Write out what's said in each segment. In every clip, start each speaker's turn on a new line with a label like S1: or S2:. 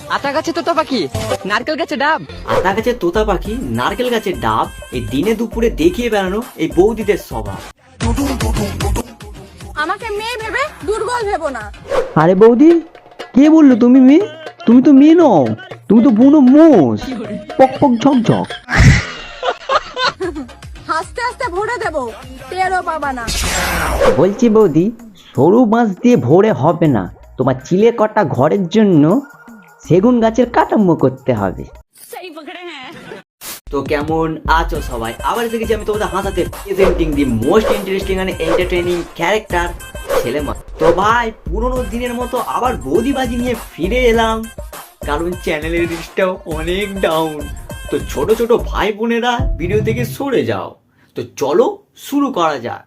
S1: আতা গাছে তোতা পাখি, নারকেল গাছে ডাব।
S2: আতা গাছে তোতা পাখি, নারকেল গাছের ডাব, এই দিনে দুপুরে দেখিয়ে বেড়ানো এই বৌদিদের স্বভাব।
S3: আমাকে মেয়ে ভেবে দুর্বল ভেবো না।
S4: আরে বৌদি, কে বললো তুমি মেয়ে? তুমি তো মেয়ে নও, তুমি তো বুনো মোষ, পক পক ঝকঝক।
S3: হাসতে হাসতে ভরে দেবো, টেরও পাবা না।
S4: বলছি বৌদি, সরু বাঁশ দিয়ে ভরে হবে না, তোমার চিলে কটা ঘরের জন্য সেগুন গাছের কাঠামো করতে হবে।
S2: তো কেমন আছো সবাই? আবার দেখেছি আমি তোমাদের হাসাতে presenting the most interesting and entertaining character ছেলে মা। তো ভাই পুরোনো দিনের মতো আবার বৌদিবাজি নিয়ে ফিরে এলাম, কারণ চ্যানেলের রিচটাও অনেক ডাউন। তো ছোট ছোট ভাই বোনেরা ভিডিও থেকে সরে যাও। তো চলো শুরু করা যাক।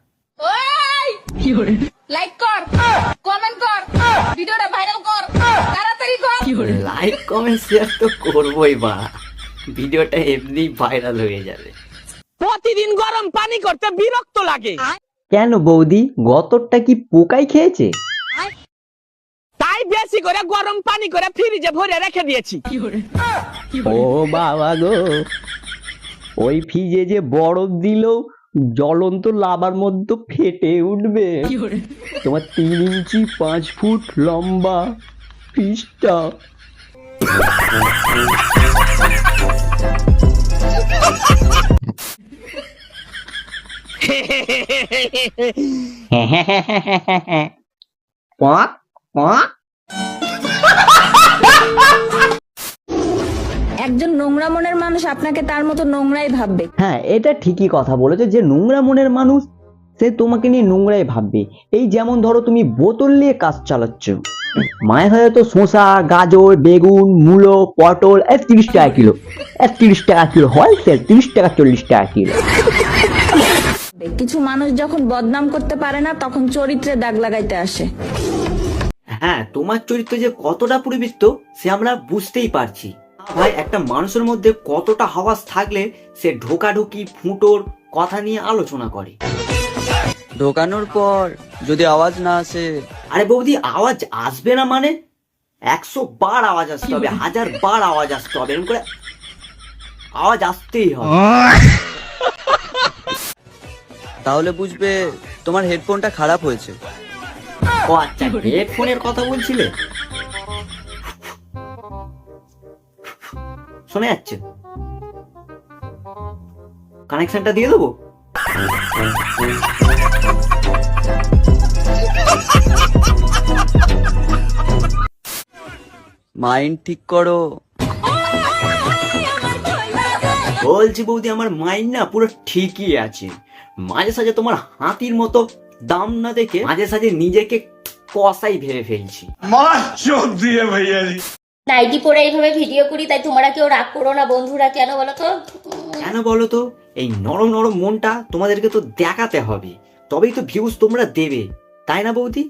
S3: লাইক কর, কমেন্ট কর, ভিডিওটা ভাইরাল কর, তাড়াতাড়ি কর।
S2: লাইক কমেন্ট শেয়ার তো করবোই বা, ভিডিওটা এমনি ভাইরাল হয়ে যাবে।
S1: প্রতিদিন গরম পানি করতে বিরক্ত লাগে,
S4: কেন বৌদি, গতরটা কি পোকাই খেয়েছে?
S1: তাই বেশি করে গরম পানি করে ফ্রিজে ভরে রেখে দিয়েছি।
S4: ও বাবা গো, ওই ফ্রিজে যে বরফ দিল জ্বলন্ত লাভার মধ্যে ফেটে উঠবে। তোমার 3 ইঞ্চি 5 ফুট লম্বা ফ্রিজটা। Quack quack.
S3: একজন নোংরা মনের মানুষ আপনাকে তার মতো নোংরাই ভাববে।
S4: হ্যাঁ, এটা ঠিকই কথা বলেছো, যে নোংরা মনের মানুষ সে তোমাকে নিয়ে নোংরাই ভাববে। এই যেমন ধরো তুমি বোতল নিয়ে কাজ চালাচ্ছ, মায়ের হয়তো শসা, গাজর, বেগুন, মূলো, পটল 30 টাকা কিলো, 30 টাকা কিলো হয়, 30 টাকা 40 টাকা কিলো।
S3: কিছু মানুষ যখন বদনাম করতে পারে না, তখন চরিত্রে দাগ লাগাইতে আসে।
S2: হ্যাঁ, তোমার চরিত্র যে কতটা পরিবৃত্ত সে আমরা বুঝতেই পারছি ভাই। একটা মানুষের মধ্যে কতটা হাওয়াস থাকলে সে ঢোকাঢুকি ফুটোর কথা নিয়ে আলোচনা করে।
S5: ঢোকানোর পর যদি আওয়াজ না আসে?
S2: আরে বৌদি, আওয়াজ আসবে না মানে 100 বার আওয়াজ আসতে হবে, 1000 বার আওয়াজ আসতে হবে, এরকম করে আওয়াজ আসতেই হবে।
S5: তাহলে বুঝবে তোমার হেডফোনটা খারাপ হয়েছে।
S2: ও আচ্ছা, হেডফোনের কথা বলছিলে? শোনা যাচ্ছে? কানেকশনটা দিয়ে দেবো?
S5: মাইন্ড ঠিক করো।
S2: বলছি বৌদি, আমার মাইন্ড না পুরো ঠিকই আছে। মাঝে সাঝে তোমার হাতির মতো দাম না দেখে মাঝে সাঝে নিজেকে কসাই ভেবে ফেলছি।
S6: নাইটি পরে এইভাবে ভিডিও করি, তাই তোমরা কেউ রাগ করো না বন্ধুরা। কেন বলো তো?
S2: কেন বলো তো? এই নরম নরম মনটা তোমাদেরকে তো দেখাতে হবে, তবেই তো ভিউজ তোমরা দেবে, তাই না বৌদি?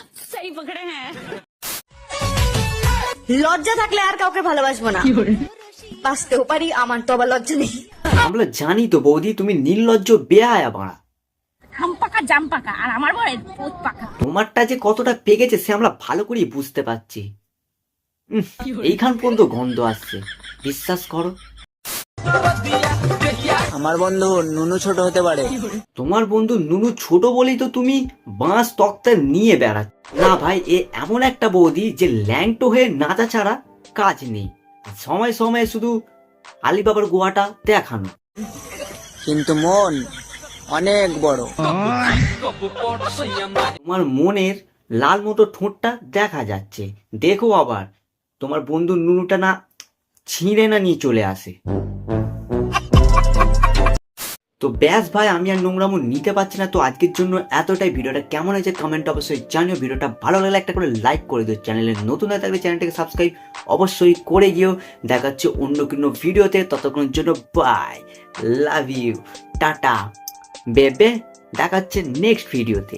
S7: লজ্জা থাকলে আর কাউকে ভালোবাসবো না, বাঁচতেও পারি, আমার তো আবার লজ্জা নেই।
S2: আমরা জানি তো বৌদি, তুমি নির্লজ্জ বেহায়া বাড়া।
S3: আম পাকা জাম পাকা, আর আমার বড় পোত পাকা।
S2: তোমারটা যে কতটা পেকেছে সে আমরা ভালো করেই বুঝতে পারছি। এইখান পর্যন্ত গন্ধ আসছে, বিশ্বাস করো।
S5: আমার বন্ধু নুনু ছোট হতে পারে।
S2: তোমার বন্ধু নুনু ছোট বলেই তো তুমি বাঁশ তক্তা নিয়ে বেড়াচ্ছ। না ভাই, এ এমন একটা বৌদি যে ল্যাংটো হয়ে নাচা ছাড়া কাজ নেই, সময় সময় শুধু আলিবাবার গোয়াটা দেখানো।
S5: কিন্তু মন অনেক বড়।
S2: তোমার মনের লাল মতো ঠোঁটটা দেখা যাচ্ছে, দেখো আবার তোমার বন্ধু নুনুটা না ছিঁড়ে না নিয়ে চলে আসে। তো ব্যাস ভাই, আমি আর নোংরামো নিতে পারছি না। তো আজকের জন্য এতটাই। ভিডিওটা কেমন হয়েছে কমেন্ট অবশ্যই জানিও। ভিডিওটা ভালো লাগলে একটা করে লাইক করে দিও। চ্যানেলে নতুন হয়ে থাকলে চ্যানেলটাকে সাবস্ক্রাইব অবশ্যই করে গিয়েও। দেখা হচ্ছে অন্য কোনো ভিডিওতে, ততক্ষণের জন্য বাই, লাভ ইউ, টাটা বেবে। দেখা হচ্ছে নেক্সট ভিডিওতে।